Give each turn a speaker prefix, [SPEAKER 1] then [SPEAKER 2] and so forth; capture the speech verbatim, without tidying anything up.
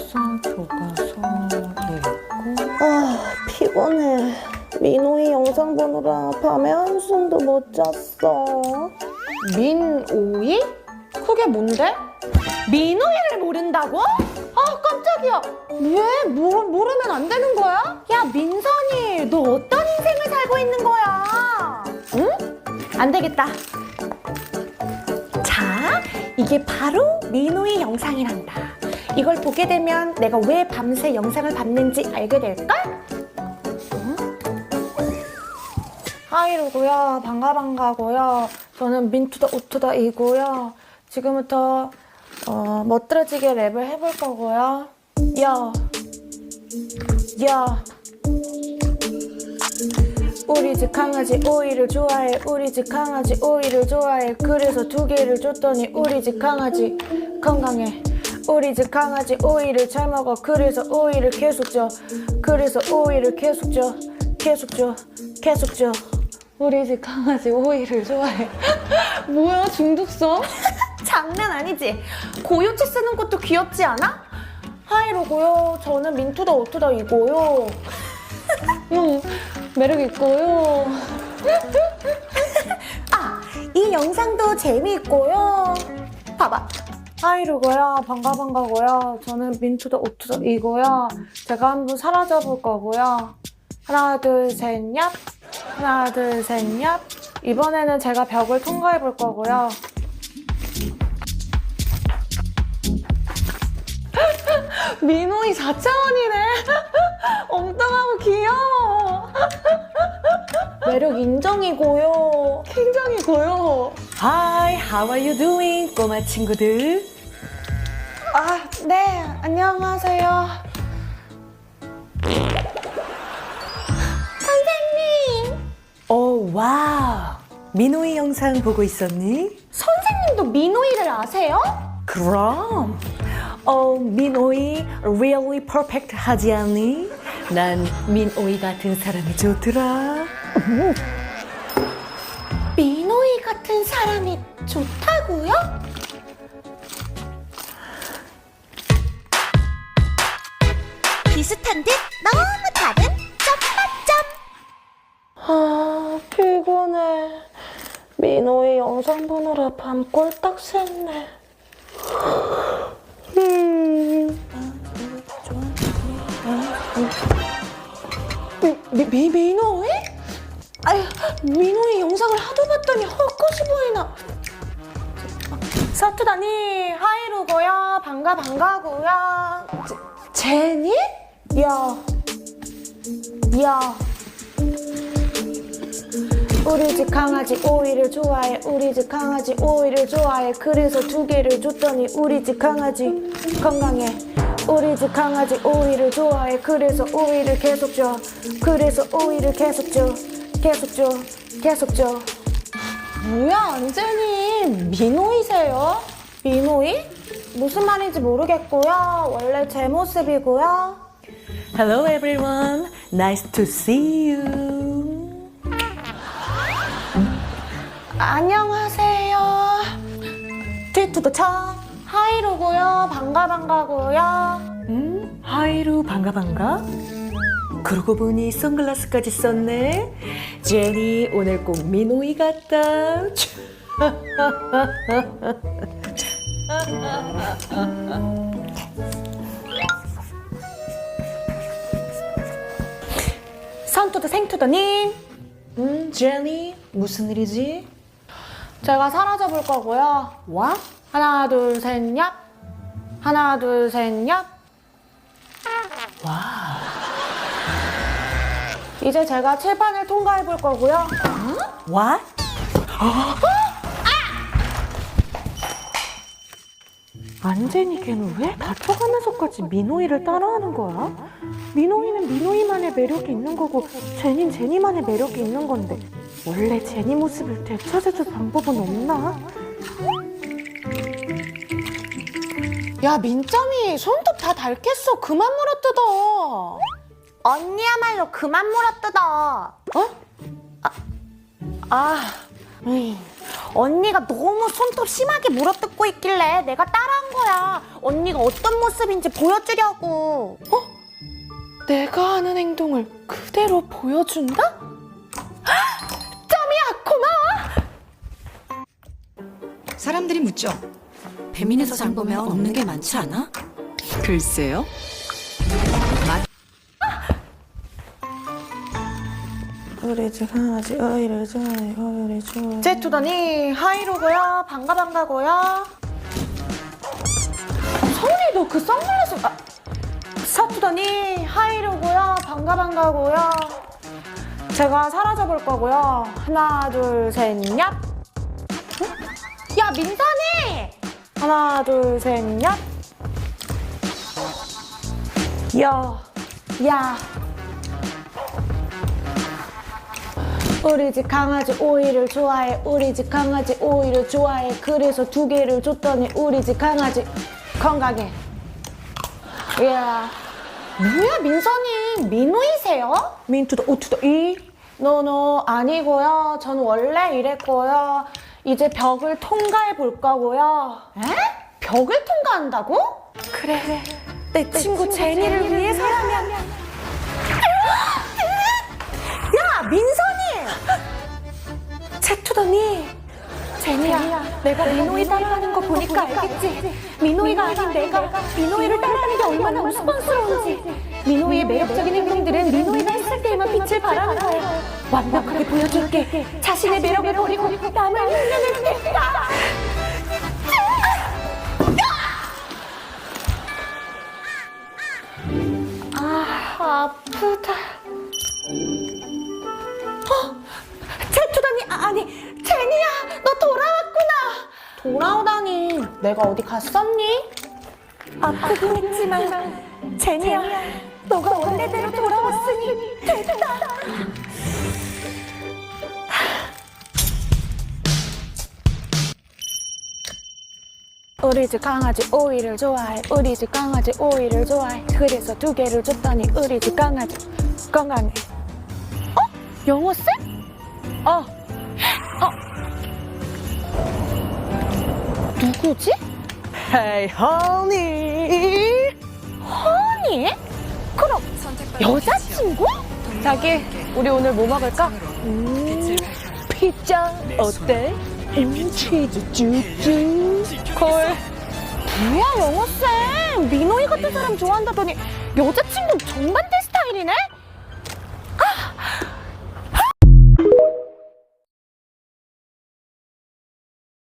[SPEAKER 1] 살 교과서 돼 있고.
[SPEAKER 2] 아, 피곤해. 민호이 영상 보느라 밤에 한숨도 못 잤어.
[SPEAKER 1] 민오이? 그게 뭔데? 민오이를 모른다고? 아 깜짝이야. 왜? 뭐, 모르면 안 되는 거야? 야 민선이, 너 어떤 인생을 살고 있는 거야? 응? 안 되겠다. 자, 이게 바로 민오이 영상이란다. 이걸 보게 되면 내가 왜 밤새 영상을 봤는지 알게 될걸? 하이루고요. 반가 반가고요. 저는 민투더 우투더 이고요. 지금부터 어, 멋들어지게 랩을 해볼 거고요. 야, 야. 우리 집 강아지 오이를 좋아해. 우리 집 강아지 오이를 좋아해. 그래서 두 개를 줬더니 우리 집 강아지 건강해. 우리 집 강아지 오이를 잘 먹어. 그래서 오이를 계속 줘. 그래서 오이를 계속 줘. 계속 줘. 계속 줘. 우리 집 강아지 오이를 좋아해. 뭐야 중독성? 장난 아니지? 고요치 쓰는 것도 귀엽지 않아? 하이로고요. 저는 민투더 오투더 이고요. 응, 매력 있고요. 아, 이 영상도 재미있고요. 봐봐. 하이루고요. 반가 반가고요. 저는 민투더 오투더 이고요. 제가 한번 사라져 볼 거고요. 하나 둘 셋 얍. 하나 둘 셋 얍. 이번에는 제가 벽을 통과해 볼 거고요. 민호이 사 차원이네. 엉뚱하고 귀여워. 매력 인정이고요. 굉장히고요. Hi, how are you doing, 꼬마 친구들? 아, 네, 안녕하세요. 선생님. 오, 와우. 민호이 영상 보고 있었니? 선생님도 민호이를 아세요? 그럼. 어, 민오이 really perfect 하지 않니? 난 민오이 같은 사람이 좋더라. 민오이 같은 사람이 좋다고요?
[SPEAKER 3] 비슷한 듯 너무 다른 점맛점.
[SPEAKER 2] 아, 피곤해. 민호이 영상 보느라 밤 꼴딱 샜네. 음. 미, 미, 미, 민호이? 아유, 민호이 영상을 하도 봤더니 헛것이 보이나.
[SPEAKER 1] 서투다니, 하이루고요. 반가 반가고요.
[SPEAKER 2] 제, 제니?
[SPEAKER 1] 야, 야. 우리 집 강아지 오이를 좋아해. 우리 집 강아지 오이를 좋아해. 그래서 두 개를 줬더니 우리 집 강아지 건강해. 우리 집 강아지 오이를 좋아해. 그래서 오이를 계속 줘. 그래서 오이를 계속 줘. 계속 줘. 계속 줘.
[SPEAKER 2] 뭐야, 안젤님. 민호이세요?
[SPEAKER 1] 민호이? 무슨 말인지 모르겠고요. 원래 제 모습이고요.
[SPEAKER 2] Hello everyone. Nice to see you.
[SPEAKER 1] 안녕하세요. 뒤투더 쳐. 하이루고요. 반가 반가고요.
[SPEAKER 2] 음, 하이루 반가 반가. 그러고 보니 선글라스까지 썼네. 제니 오늘 꼭 민호이 같다.
[SPEAKER 1] 선투더 생투더님.
[SPEAKER 2] 음, 제니 무슨 일이지?
[SPEAKER 1] 제가 사라져 볼 거고요.
[SPEAKER 2] 와?
[SPEAKER 1] 하나 둘 셋 얍. 하나 둘 셋 얍.
[SPEAKER 2] 와.
[SPEAKER 1] 이제 제가 칠판을 통과해 볼 거고요.
[SPEAKER 2] What?
[SPEAKER 1] 안제니 걔는 왜 다쳐가면서까지 민호이를 따라하는 거야? 민호이는 민호이만의 매력이 있는 거고 제니는 제니만의 매력이 있는 건데 원래 제니 모습을 되찾아줄 방법은 없나? 야 민점이 손톱 다 닳겠어. 그만 물어뜯어.
[SPEAKER 3] 언니야말로 그만 물어뜯어.
[SPEAKER 1] 어? 아, 아
[SPEAKER 3] 으이, 언니가 너무 손톱 심하게 물어뜯고 있길래 내가 따라한 거야. 언니가 어떤 모습인지 보여주려고.
[SPEAKER 1] 어? 내가 하는 행동을 그대로 보여준다? 헉! 점이야, 고마워!
[SPEAKER 4] 사람들이 묻죠. 배민에서 장 보면 없는 게 많지 않아? 글쎄요.
[SPEAKER 1] 우리 집 강아지 오이를 좋아해, 오이를 좋아해. 제투더니 하이로고요. 반가 반가고요. 서울이 너 그 선글라스 아, 사투더니 하이로고요. 반가 반가고요. 제가 사라져 볼 거고요. 하나 둘 셋 얍. 응? 야 민선이. 하나 둘 셋 얍. 야, 야. 우리 집 강아지 오이를 좋아해. 우리 집 강아지 오이를 좋아해. 그래서 두 개를 줬더니 우리 집 강아지 건강해. 이야. 뭐야 민선이 민우이세요? 민투더 오투더 이? 노노 아니고요. 전 원래 이랬고요. 이제 벽을 통과해 볼 거고요. 에? 벽을 통과한다고? 그래. 내, 내 친구, 친구 제니를, 제니를 위해서라면. 야 민선이! 채투더니 제니야, 내가 민호이 따라하는 거 보니까 알겠지? 민호이가 아닌 내가 민호이를 따라하는 게 얼마나 우스꽝스러운지. 민호이의 매력적인 행동들은 민호이가 했을 때에만 빛을 발하는 거야. 완벽하게 보여줄게. 자신의 매력을 버리고 남을 흉내낼겠다. 아, 아프다. 어? 제투더니 아니 제니야, 너 돌아왔구나. 돌아오다니 내가 어디 갔었니? 아프긴 했지만 제니야, 너가 원래대로 돌아왔으니 됐다. 우리 집 강아지 오이를 좋아해. 우리 집 강아지 오이를 좋아해. 그래서 두 개를 줬더니 우리 집 강아지 건강해. 어? 영어 쌤? 어. 어. 누구지?
[SPEAKER 2] Hey, honey.
[SPEAKER 1] 허니? 그럼 여자친구?
[SPEAKER 2] 자기, 우리 오늘 뭐 먹을까? 음, 피자 어때? 음, 치즈 쭈쭈. 콜.
[SPEAKER 1] 뭐야 영어쌤, 민호이 같은 사람 좋아한다더니 여자친구는 정반대 스타일이네?